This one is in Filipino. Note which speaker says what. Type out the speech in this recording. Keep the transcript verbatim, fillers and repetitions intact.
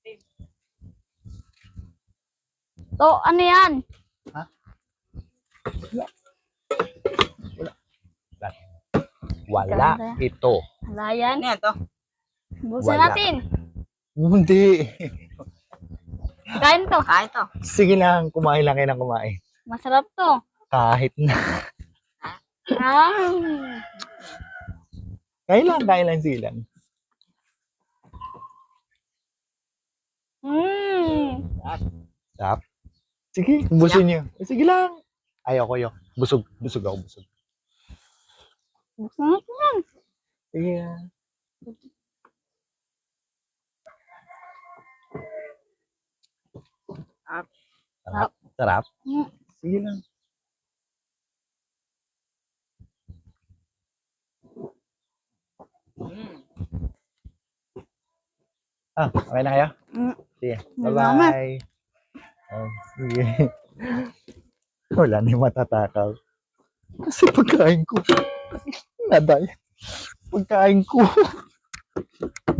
Speaker 1: To, ano yan?
Speaker 2: Ha? Wala ito.
Speaker 1: Wala yan.
Speaker 3: Ano yan to?
Speaker 1: Busan
Speaker 2: Wala.
Speaker 1: natin.
Speaker 2: Hindi.
Speaker 1: Kain to.
Speaker 3: Kain to.
Speaker 2: Sige lang, kumain lang kayo ng kumain.
Speaker 1: Masarap to.
Speaker 2: Kahit na.
Speaker 1: Ah.
Speaker 2: Kain lang, kain lang, sige lang.
Speaker 1: Mm.
Speaker 2: Stop. Sige, busin niyo. Eh, sige lang. Ayoko yo. Busog, busog ako, busog.
Speaker 1: Busan natin.
Speaker 2: Sige lang. Sarap. Sarap.
Speaker 1: Mm.
Speaker 2: Sige lang.
Speaker 3: Mm.
Speaker 2: Ah, okay na kayo?
Speaker 1: Mm.
Speaker 2: Sige.
Speaker 1: Salamat.
Speaker 2: Bye-bye. Oh, sige. Wala na yung matatakaw. Kasi pagkain ko. Naday. Pagkain ko.